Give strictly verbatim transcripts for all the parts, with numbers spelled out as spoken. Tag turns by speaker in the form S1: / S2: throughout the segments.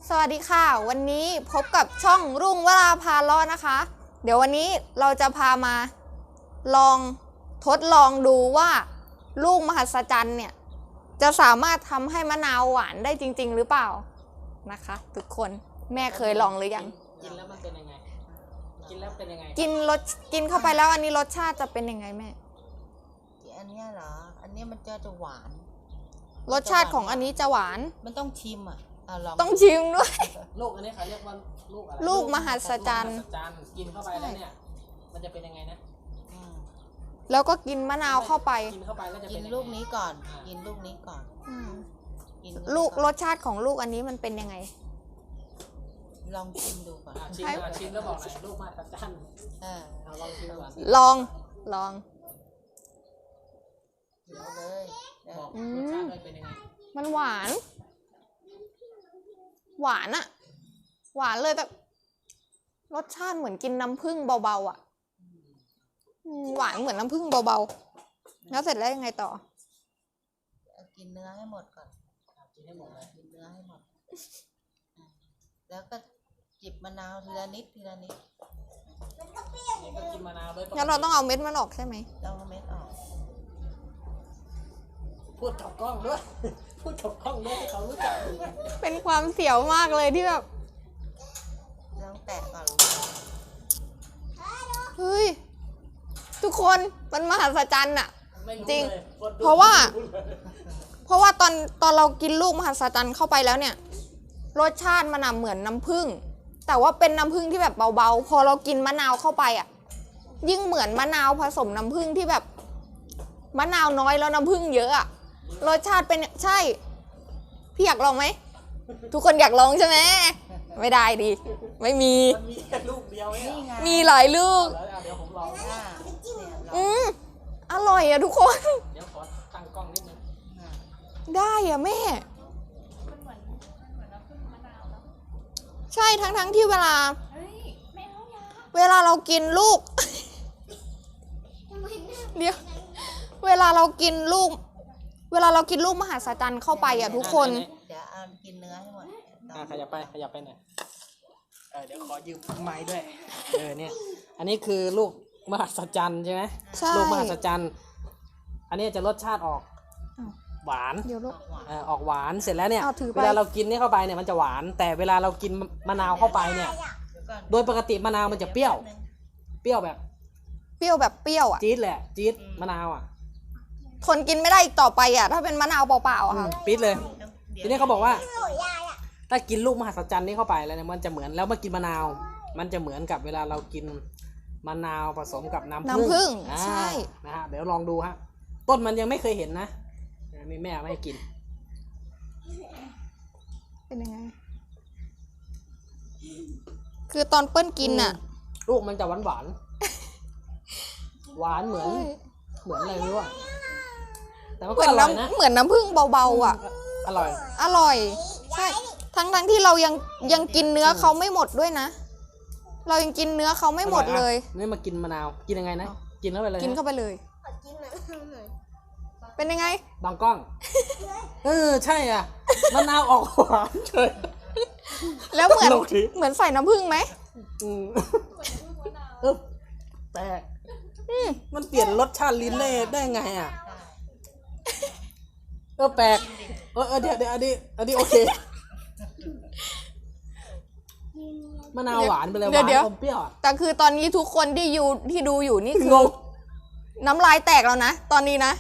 S1: สวัสดีค่ะวันนี้พบกับช่องรุ่งวราพาเลาะนะคะเดี๋ยววันนี้เราจะพามาลองทดลองดูว่าลูกมหัศจรรย์เนี่ยจะสามารถทำให้มะนาวหวานได้จริงๆหรือเปล่านะคะทุกคนแม่เคยลองหรือยัง
S2: กินแล้วมันเป็นยังไงกินแล้วเป็นยังไง
S1: กินรสกินเข้าไปแล้วอันนี้รสชาติจะเป็นยังไงแม่
S3: อันนี้เหรออันนี้มันจะจะหวาน
S1: รสชาติของอันนี้จะหวาน
S3: มันต้องชิมอ่ะเอาลอง
S1: ต้องชิมด้วย
S2: ลูกอันนี้เขาเรียกว่าลูกอะไร
S1: ลูกมหัศจรรย์
S2: กินเข้าไปแล้วเนี่ยมันจะเป็นยังไงนะ
S1: แล้วก็กินมะนาวเข้าไป
S2: กินเข้าไปแล้วจะ
S3: กินลูกนี้ก่อนกินลูกนี้ก่อน
S1: ลูกรสชาติของลูกอันนี้มันเป็นยังไง
S3: ลองชิมดูก่อน
S2: ชิมชิมแล้วบอกหน่อยลูกมหัศจรรย์เอาลองชิมก่อน
S1: ลองลอง
S3: เดี๋ยวเลย
S2: บอกรสชาติเป็นยังไง
S1: มันหวานหวานอะหวานเลยแบบรสชาติเหมือนกินน้ำผึ้งเบาๆอะหวานเหมือนน้ำผึ้งเบาๆแล้วเสร็จแล้วยังไงต่อ
S3: กินเนื้อให้หมดก่อน
S2: กินให้หมดเลย
S3: กินเนื้อให้หมดแล้วก็จิบมะนาวทีละนิดทีละนิด
S2: กินมะนาวด้วย
S1: งั้นเราต้องเอาเม็ดมันออกใช่ไหม
S3: ต้องเอาเม็ดออก
S2: พูดกับกล้องด้วยพูดกับกล้องด้วยเขารู้จัก
S1: เป็นความเสียวมากเลยที่แบบ
S3: ลองแตะก่อน
S1: เฮ้ยทุกคนมันมหัศจรรย์อะจริงเพ
S2: ราะ
S1: ว่า เพราะว่าตอนตอนเรากินลูกมหัศจรรย์เข้าไปแล้วเนี่ยรสชาติมันเหมือนน้ำผึ้งแต่ว่าเป็นน้ำผึ้งที่แบบเบาๆพอเรากินมะนาวเข้าไปอะยิ่งเหมือนมะนาวผสมน้ำผึ้งที่แบบมะนาวน้อยแล้วน้ำผึ้งเยอะอะรสชาติเป็นใช่พี่อยากลองไหมทุกคนอยากลองใช่ไหมไม่ได้ดิไม่มี
S2: มีแค่ลูกเดียวนี่ไง
S1: มีหลายลูก
S2: เดี๋ยวผมลอง
S1: อืมอร่อยอะทุกคน
S2: เดี๋ยวขอตั้งกล้องนิดนึง
S1: ได้อะแม่ใช่ทั้งทั้งที่เวลาเวลาเรากินลูกเดี๋ยวเวลาเรากินลูกเวลาเรากินลูกมหัศจรรย์เข้าไปอ่ะทุกคน
S3: เดี๋ยวเอากินเนื้อให้หมด
S2: อ่าขยับไปขยับไปหน่อยเออเดี๋ยวขอยืมไม้ด้วยเออเนี่ยอันนี้คือลูกมหัศจรรย์ใช่ไหม
S1: ใช่
S2: ลูกมหัศจรรย์อันนี้จะรสชาติออกหวาน
S1: เดี๋ยวลูก
S2: เออออกหวานเสร็จแล้วเนี่ยเวลาเรากินนี่เข้าไปเนี่ยมันจะหวานแต่เวลาเรากินมะนาวเข้าไปเนี่ยโดยปกติมะนาวมันจะเปรี้ยวเปรี้ยวแบบ
S1: เปรี้ยวแบบเปรี้ยวอ่ะ
S2: จี๊ดแหละจี๊ดมะนาวอ่ะ
S1: ทนกินไม่ได้อีกต่อไปอ่ะถ้าเป็นมะนาวเปล่าๆอ่ะ
S2: ปี๊ดเลยทีนี้เขาบอกว่าถ้ากินลูกมหัศจรรย์นี้เข้าไปแล้วเนี่ยมันจะเหมือนแล้วมากินมะนาวมันจะเหมือนกับเวลาเรากินมะนาวผสมกับน้ำ
S1: น้ำผึ้งใช่
S2: นะฮะเดี๋ยวลองดูฮะต้นมันยังไม่เคยเห็นนะมีแม่ไม่ให้กิน
S1: เป็นยังไงคือตอนเปิ้ลกินอ่ะ
S2: ลูกมันจะหวานหวานหวานเหมือนเหมือนอะไรไม่รู้อ่ะแต่มันก็อร่อยนะ
S1: เหมือนน้ำผึ้งเบาๆอ่ะ
S2: อร่อย
S1: อร่อยใช่ทั้งทั้งที่เรายังยังกินเนื้อเขาไม่หมดด้วยนะเรายังกินเนื้อเขาไม่หมดเลย
S2: นี่มากินมะนาวกินยังไงนะกินเข้าไปเลย
S1: กินเข้าไปเลยเป็นยังไง
S2: บางกล้องเออใช่อ่ะมะนาวออกหวานเฉย
S1: แล้วเหมือนเหมือนใส่น้ำผึ้งไหม
S2: เออแปลกมันเปลี่ยนรสชาติลิ้นได้ได้ไงอ่ะเออแปลกเออเออเดี๋ยวเดี๋ยวอันนี้อันนี้โอเคมะนาวหวานไปเลยหวานอมเปรี้ยว
S1: แต่คือตอนนี้ทุกคนที่อยู่ที่ดูอยู่นี่คือน้ำลายแตกแล้วนะตอนนี้นะ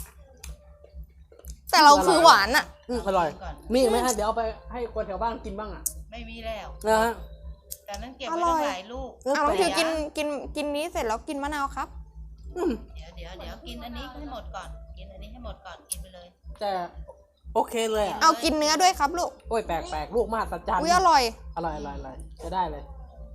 S1: แต่เราคือหวานอ่ะ
S2: อร่อยมีไหมฮะเดี๋ยวเอาไปให้คนแถวบ้านกินบ้างอ่ะ
S3: ไม่มีแล้ว
S2: นะฮะ
S3: แต่นั้นเก็บไว้ตั้งหลายลูก
S1: เอาเราคือกินกินกินนี้เสร็จแล้วกินมะนาวครับ
S3: เดี๋ยวเดี๋ยวเดี๋ยวกินอันนี้ให้หมดก่อนกินอันนี้ให้หมดก่อนกินไปเลย
S2: แต่โอเคเลย
S1: เอากินเนื้อด้วยครับลูก
S2: โอ้ยแปลกแปลกลูกมากสัจจัน
S1: อุ้ยอร่อย
S2: อร่อยอร่อยอร่อยจะได้เลย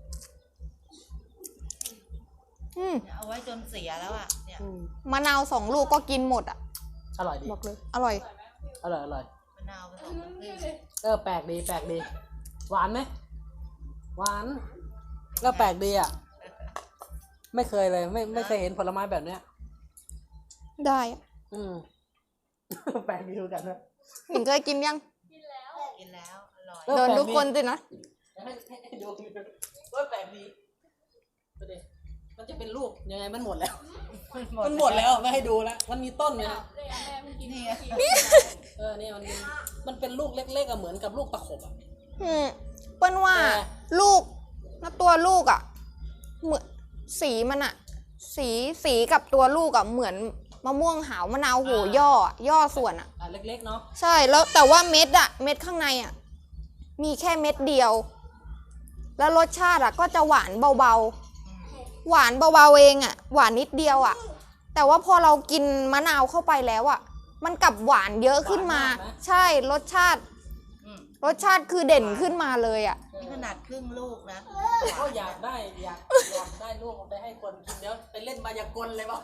S1: อืม
S3: เอาไว้จนเสียแล้วอ่ะเนี่ย
S1: มะนาวสองลูกก็กินหมดอ่ะ
S2: อร่อยดี
S1: บอกเลยอร่อย
S2: อร่อยอร่อย
S3: มะนาวผสมน้ำผึ้ง
S2: เออแปลกดีแปลกดีหวานไหมหวานก็แปลกดีอ่ะไม่เคยเลยไม่ไม่เคยเห็นผลไม้แบบเนี้ย
S1: ได้
S2: อืมแปลกดีเหมือนกันนะ
S1: หญิงเคยกินยัง
S3: กินแล้วกินแล้วอร่อยร่อย
S2: เออ
S1: โดนทุกคนสินะ
S2: ให้ให้ให้ดูก็แปลกดีประเดี๋ยวมันจะเป็นรูปยังไงมันหมดแล้ว มันหมดแล้วไม่ให้ดูแล้วมันมีต้นเลยนะ
S3: นี่ไง
S2: เออเนี่ยมันมันเป็นลูกเล็กๆอะเหมือนกับลูกตะขบอะ
S1: อืมเปิ้ลว่า
S2: แต่
S1: ลูกแล้วตัวลูกอ่ะเหมือนสีมันอ่ะ สีสีกับตัวลูกอ่ะเหมือนมะม่วงหาวมะนาวโหย่ออะย่อส่วนอ่ะ
S2: อ่ะเล็กๆเนาะ
S1: ใช่แล้วแต่ว่าเม็ดอ่ะ เม็ดข้างในอ่ะ มีแค่เม็ดเดียว แล้วรสชาติอ่ะก็จะหวานเบาๆ หวานเบาๆเองอ่ะ หวานนิดเดียวอ่ะ แต่ว่าพอเรากินมะนาวเข้าไปแล้วอ่ะ มันกลับหวานเยอะขึ้นมา ใช่รสชาติ
S3: อืม
S1: รสชาติคือเด่นขึ้นมาเลยอ่ะ
S3: นี่ขนาดครึ่งลูกนะ
S2: ก็อยากได้อยากอยากได้ลูกเอาไปให้คนกินเดี๋ยวไปเล่นมายากลเลยป่ะ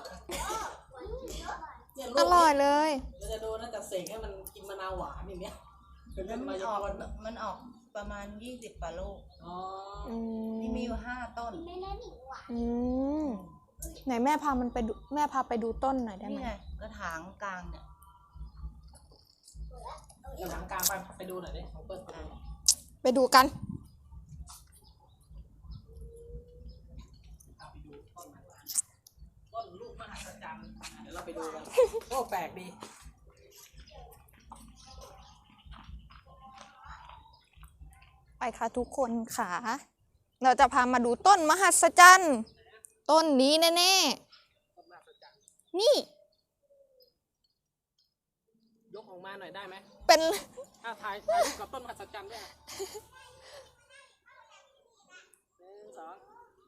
S2: เนี่ยลู
S1: อก ร่อยเลย
S2: เราจะดูนะจะเสกให้มันกินมะนาวหวานอย่างเนี้ยเป็น
S3: แล้
S2: เล่
S3: วน มั
S2: มาน ยา
S3: ออก
S2: กล
S3: มันออกประมาณยี่สิบกว่าลูก
S2: อ๋อ
S1: อืม
S3: นี่มีอยู่ห้าต้น
S1: อืมไหนแม่พามันไปดูแม่พาไปดูต้นหน่อยได้ไห
S3: นี่
S1: ม
S3: ไงกระถางกลางเนี่ย
S2: เดี๋ยวหลังกลางไปไปดูหน่อยดิของเปิ้ลไปดูหน่อย
S1: ไปดูกัน
S2: เอาไปดูต้นมะนาวต้นลูกมหัศจรรย์เดี๋ยวเราไปดูกันโอ้แปลกดี
S1: ไปค่ะทุกคนค่ะ เราจะพามาดูต้นมหัศจรรย์ต้นนี้แน่
S2: ต้นมหัศจรรย์
S1: ๆ นี่
S2: ยกออกมาหน่อยได้ไหม
S1: เป็น
S2: ถ้าถ่ายถ่ายรูปกับต้นมหัศจรรย์ด้วยอะหนึ่งสอง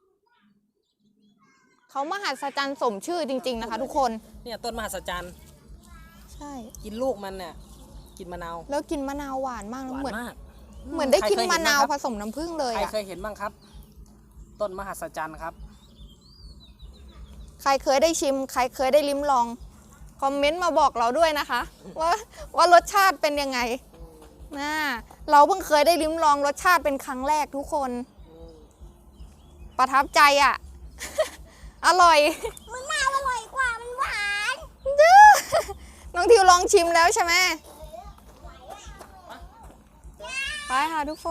S1: เขามหัศจรรย์สมชื่อจริง ๆ นะคะ ทุกคน
S2: เนี่ยต้นมหัศจรรย์
S1: ใช่
S2: กินลูกมันเนี่ยกินมะนาว
S1: แล้วกินมะนาวหวานมาก
S2: ห
S1: แล้ว
S2: วาน
S1: เหมือน
S2: มาก
S1: เหมือนได้กิน
S2: ใครเคย
S1: มะ
S2: เห็
S1: นาว
S2: บ้ง
S1: ผ
S2: ครับ
S1: สมน้ำผึ้งเลย
S2: ใคร
S1: อะ
S2: เคยเห็นบ้างครับ ต้นมหัศจรรย์ครับ
S1: ใครเคยได้ชิม ใครเคยได้ลิ้มลอง คอมเมนต์มาบอกเราด้วยนะคะ ว่าว่ารสชาติเป็นยังไงนะเราเพิ่งเคยได้ลิ้มลองรสชาติเป็นครั้งแรกทุกคน ประทับใจอ่ะ อร่อย
S4: มะนาวอร่อยกว่ามันหวาน
S1: น้องทิวลองชิมแล้วใช่ไหมไปค่ะทุกคน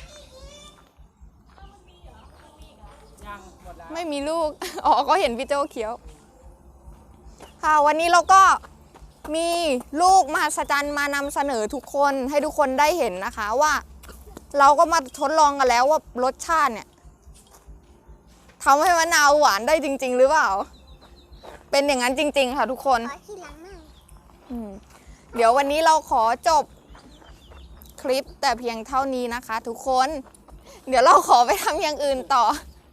S2: ยังหมดแล้ว
S1: ไม่มีลูก อ๋อก็เห็นพี่โจเขียว ค่ะวันนี้เราก็มีลูกมหัศจรรย์มานำเสนอทุกคนให้ทุกคนได้เห็นนะคะว่า เราก็มาทดลองกันแล้วว่ารสชาติเนี่ยทำให้มะนาวหวานได้จริง ๆ หรือเปล่า เป็นอย่างนั้นจริง ๆ ค่ะทุกคน
S4: ขอทีหลังหน่อย
S1: อืมเดี๋ยววันนี้เราขอจบคลิปแต่เพียงเท่านี้นะคะ ทุกคน เดี๋ยวเราขอไปทำอย่างอื่นต่อ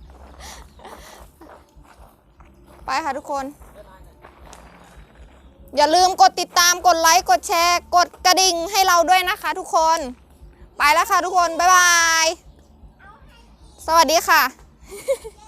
S1: ไปค่ะทุกคน อย่าลืมกดติดตามกดไลค์ กดแชร์ กดกระดิ่งให้เราด้วยนะคะทุกคน ไปแล้วค่ะทุกคน บ๊ายบาย สวัสดีค่ะ